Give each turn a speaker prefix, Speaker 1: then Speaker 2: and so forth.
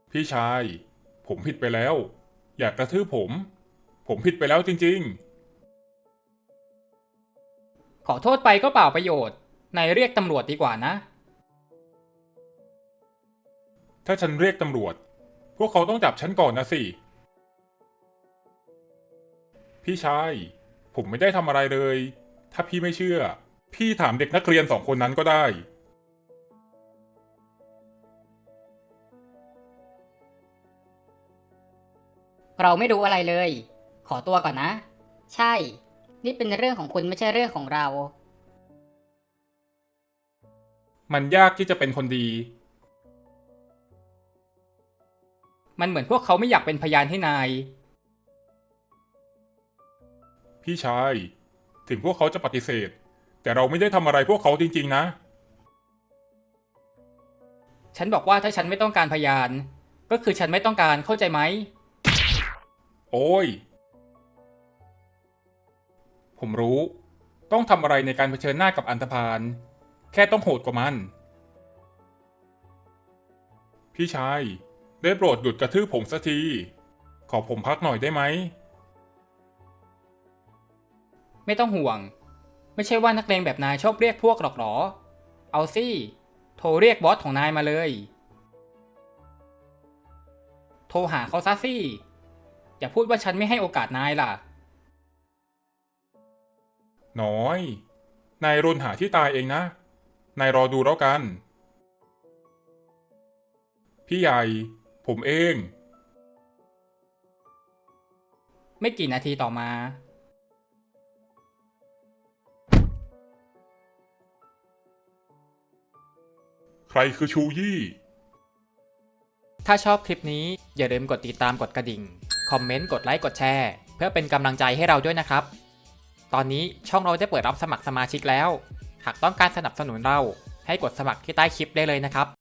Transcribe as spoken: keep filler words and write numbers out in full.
Speaker 1: พี่ชายผมผิดไปแล้วอย่ากระทืบผมผมผิดไปแล้วจริง
Speaker 2: ขอโทษไปก็เปล่าประโยชน์นายเรียกตำรวจดีกว่านะ
Speaker 1: ๆถ้าฉันเรียกตำรวจพวกเขาต้องจับฉันก่อนนะสิพี่ชายผมไม่ได้ทำอะไรเลยถ้าพี่ไม่เชื่อพี่ถามเด็กนักเรียนสองคนนั้นก็ได้
Speaker 3: เราไม่รู้อะไรเลย ขอตัวก่อนนะ ใช่ นี่เป็นเรื่องของคุณไม่ใช่เรื่องของเรา
Speaker 1: มันยากที่จะเป็นคนดี
Speaker 2: มันเหมือนพวกเขาไม่อยากเป็นพยานให้นาย
Speaker 1: พี่ชายถึงพวกเขาจะปฏิเสธแต่เราไม่ได้ทำอะไรพวกเขาจริงๆนะ
Speaker 2: ฉันบอกว่าถ้าฉันไม่ต้องการพยาน ก็คือฉันไม่ต้องการเข้าใจไหม
Speaker 1: โอ้ยผมรู้ต้องทำอะไรในการเผชิญหน้ากับอันธพาลแค่ต้องโหดกว่ามันพี่ชายได้โปรดหยุดกระทืบผมสักทีขอผมพักหน่อยได้ไหม
Speaker 2: ไม่ต้องห่วง ไม่ใช่ว่านักเลงแบบนายชอบเรียกพวกหรอกหรอ เอาสิโทรเรียกบอสของนายมาเลย โทรหาเขาซะสิอย่าพูดว่าฉันไม่ให้โอกาสนายล่ะ
Speaker 1: น้อยนายรนหาที่ตายเองนะนายรอดูแล้วกันพี่ใหญ่ผมเอง
Speaker 2: ไม่กี่นาทีต่อมา
Speaker 1: ใครคือชูยี่
Speaker 2: ถ้าชอบคลิปนี้อย่าลืมกดติดตามกดกระดิ่ง คอมเมนต์ กดไลค์ กดแชร์ เพื่อเป็นกำลังใจให้เราด้วยนะครับ ตอนนี้ช่องเราได้เปิดรับสมัครสมาชิกแล้ว หากต้องการสนับสนุนเราให้กดสมัครที่ใต้คลิปได้เลยนะครับ